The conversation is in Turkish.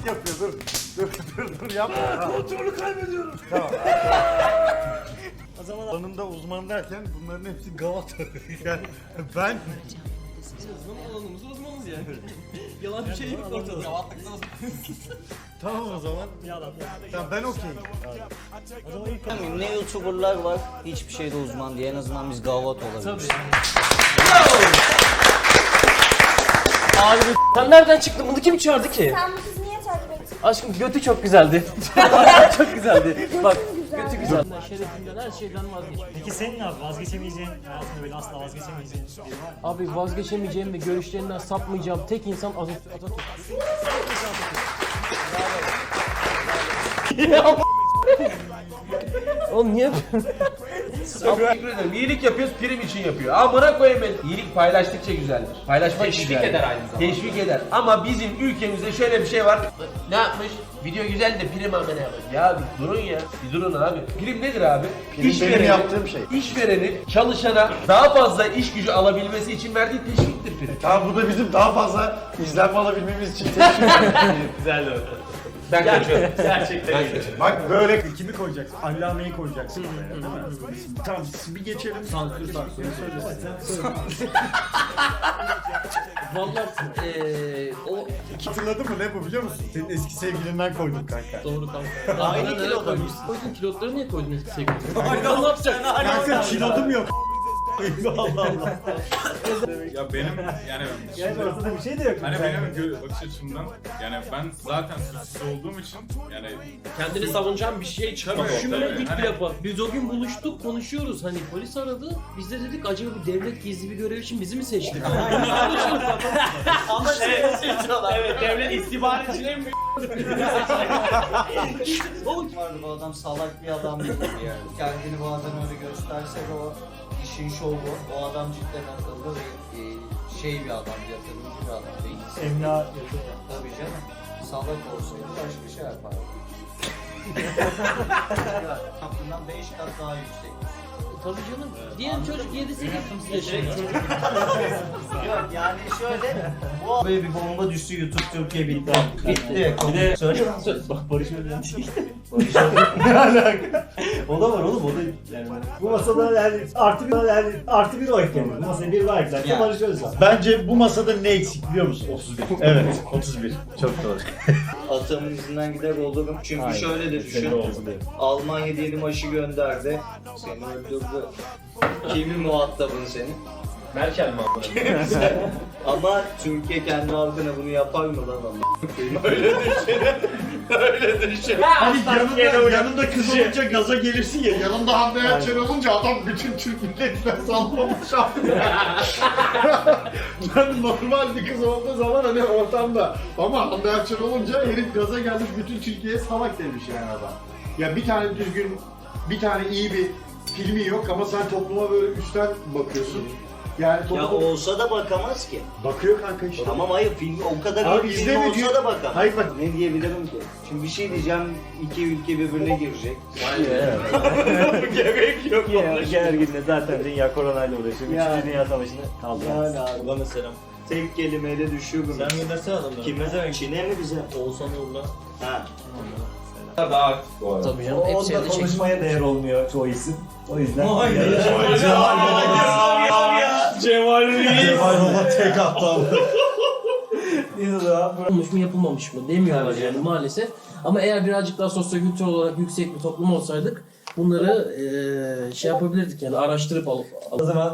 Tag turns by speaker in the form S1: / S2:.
S1: artistlik yapıyor. Dur yapma.
S2: Kontrolü kaybediyorum.
S1: Tamam.
S2: O zaman
S1: Alanında uzman derken bunların hepsi Galata. Yani ben
S3: Alanımız uzmanız yani. Yalan bir şey yok ortada.
S1: tamam o zaman. Tamam ben okeyim.
S2: o zaman ilk
S4: Ne YouTuber'lar var hiçbir şeyde uzman diye, en azından biz gavat olabiliriz.
S3: Abi sen nereden çıktın? Bunu kim çağırdı ki?
S5: Sen bu kızı niye takip ettin?
S3: Aşkım götü çok güzeldi. Çok güzeldi. Bak götü güzel. Şerefimden her şeyden vazgeçtim.
S2: Peki senin abi vazgeçemeyeceğin, hayatında böyle asla vazgeçemeyeceğin biri var mı?
S3: Abi vazgeçemeyeceğim ve görüşlerinden sapmayacağım tek insan Atatürk. Oğlum niye
S6: Teşekkür ederim. İyilik yapıyoruz, prim için yapıyor. Amına koyayım ben. İyilik paylaştıkça güzeldir. Paylaşmak teşvik güzeldir. Eder aynı zamanda. Teşvik eder. Ama bizim ülkemizde şöyle bir şey var. Ne yapmış? Video güzel de prim amına koyayım. Ya bir durun ya. Bir durun abi. Prim nedir abi?
S1: Prim benim yaptığım şey.
S6: İşverenin çalışana daha fazla iş gücü alabilmesi için verdiği teşviktir prim.
S1: Tamam bu da bizim daha fazla izlenme alabilmemiz için teşvik.
S6: Güzel de ben kaçıyorum. Gerçekten.
S1: Bak böyle kimi koyacaksın? Allame'yi koyacaksın oraya değil mi? Tamam bir geçelim. Sansür söylesin.
S3: Vallahi o
S1: Hatırladın mı ne bu biliyor musun? Senin eski sevgilinden koydum kanka.
S3: doğru tamam. Aynı kilo koymuşsun. Koydun kilotları niye koydun eski sevgilini? Aynen ne yapacaksın?
S1: Kanka kilodum yok. Allah Allah.
S7: Ya benim yani
S2: Yani ortada bir şey de yok.
S7: hani benim bakış açımdan yani ben zaten suçsuz olduğum için yani
S3: Kendini savunacağın bir şey çıkmadı.
S7: Tabii,
S3: Düşünmedik
S7: tabii.
S3: bile yapar. Biz o gün buluştuk, konuşuyoruz. Hani polis aradı. Biz de dedik acaba bir devlet gizli bir görev için bizi mi seçti? Ama evet, devlet istihbaratçı en büyük.
S4: Vardı bu adam salak bir adam değil yani. Kendini bazen öyle gösterse de o işin şovu. O adam cidden akıllı ve şey bir adam, yatırımcı bir adam değil.
S2: Emlak yapıyor.
S4: Tabii canım. Salak olsaydı başka şey yapardı. Aklından 5 kat daha yüksek.
S3: Tabii canım. Diyelim çocuk 7-8 yaşında.
S4: Yok yani şöyle, bu böyle bir bomba düştü YouTube Türkiye bitti. Bitti. Söyle.
S2: Bak Barış öyle
S1: Ne alaka?
S2: O da var oğlum, o da yani. Bu masada yani artı bir oy ekledim. Bu masaya bir var eklerken
S4: Ya.
S2: Barış Özcan.
S1: Bence bu masada ne eksik biliyor musun? 31. Evet 31. Çok doğru.
S4: Atamın izinden gider olurum. Çünkü
S2: Aynen.
S4: şöyle de düşün. Almanya diyelim aşı gönderdi. Seni öldürdü. Kimin muhatabın senin?
S3: Merkel mi abi?
S4: Ama Türkiye kendi halkına bunu yapar mı lan ama? Öyle düşün. Öyle düşün.
S1: Hani yanında kız olunca gaza gelirsin ya. Yanında Hande Erçel olunca adam bütün Türk milletine sallamış abi. Ben normal bir kız olduğu zaman hani ortamda. Ama Hande Erçel olunca herif gaza gelmiş bütün Türkiye'ye salak demiş yani adam. Ya bir tane düzgün, bir tane iyi bir filmi yok ama sen topluma böyle üstten bakıyorsun. Yani
S4: Ya
S1: toplum
S4: olsa da bakamaz ki.
S1: bakıyor kanka işte.
S4: Tamam hayır film o kadar
S1: Abi
S4: iyi film
S1: izleme
S4: olsa
S1: diyor.
S4: da bakamaz.
S1: Hayır bak.
S4: Ne diyebilirim ki? Şimdi bir şey diyeceğim, iki ülke birbirine girecek.
S6: Gerek yok.
S2: Gerginle zaten dünya koronayla uğraşıyor. Üçüncü Dünya Savaşı'nı kaldıramaz.
S4: Yani abi bana selam. Tek kelimeyle düşüyorum.
S2: Sen göndersene adamları.
S4: Kime? Çin'e mi bize?
S3: Oğuzhan Uğur'la.
S4: Ha.
S6: Daha aktif bu arada.
S3: Tabii canım.
S2: O
S3: Hep
S2: onda
S3: sevdi çekti.
S2: konuşmaya değer olmuyor çoğu isim. O yüzden.
S1: Cemal Baba tek aptal.
S3: Yapılmış mı yapılmamış mı demiyorlar yani maalesef. Ama eğer birazcık daha sosyokültürel olarak yüksek bir toplum olsaydık bunları şey yapabilirdik yani araştırıp alıp.
S2: O zaman